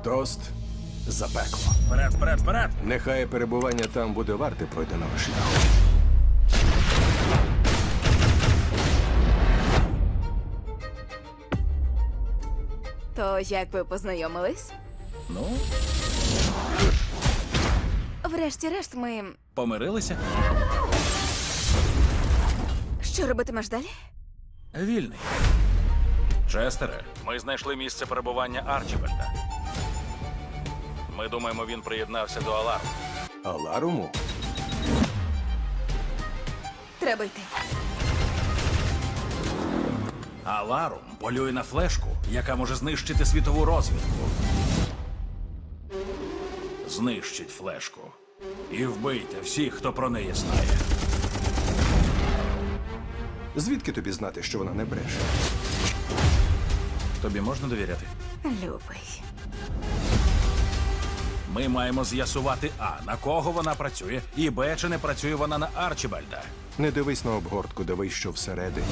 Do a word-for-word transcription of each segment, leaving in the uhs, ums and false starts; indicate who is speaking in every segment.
Speaker 1: Тост за пекло.
Speaker 2: Вперед, вперед, вперед!
Speaker 1: Нехай перебування там буде варте пройденого шляху.
Speaker 3: То як ви познайомились?
Speaker 2: Ну,
Speaker 3: Врешті-решт, ми.
Speaker 2: помирилися.
Speaker 3: Що робитимеш далі?
Speaker 2: Вільний. Честере, ми знайшли місце перебування Арчібальда. Ми думаємо, він приєднався до Аларму.
Speaker 1: Аларуму?
Speaker 3: Треба йти.
Speaker 2: Аларум полює на флешку, яка може знищити світову розвідку. Знищить флешку. І вбийте всіх, хто про неї знає.
Speaker 1: Звідки тобі знати, що вона не бреше?
Speaker 2: Тобі можна довіряти?
Speaker 3: Любий.
Speaker 2: Ми маємо з'ясувати А, на кого вона працює, і Б, чи не працює вона на Арчібальда.
Speaker 1: Не дивись на обгортку, дивись, що всередині.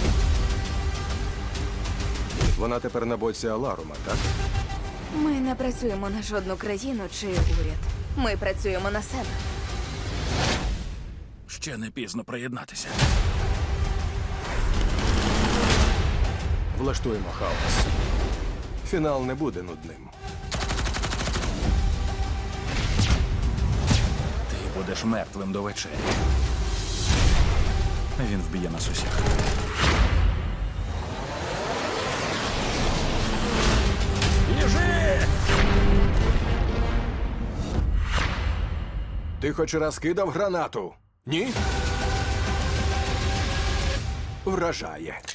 Speaker 1: Вона тепер на боці Аларума, так?
Speaker 3: Ми не працюємо на жодну країну чи уряд. Ми працюємо на себе.
Speaker 2: Ще не пізно приєднатися.
Speaker 1: Влаштуємо хаос. Фінал не буде нудним.
Speaker 2: Ти будеш мертвим до вечері. Він вб'є нас усіх. Біжи!
Speaker 1: Ти хоч раз кидав гранату? Ні? Вражає.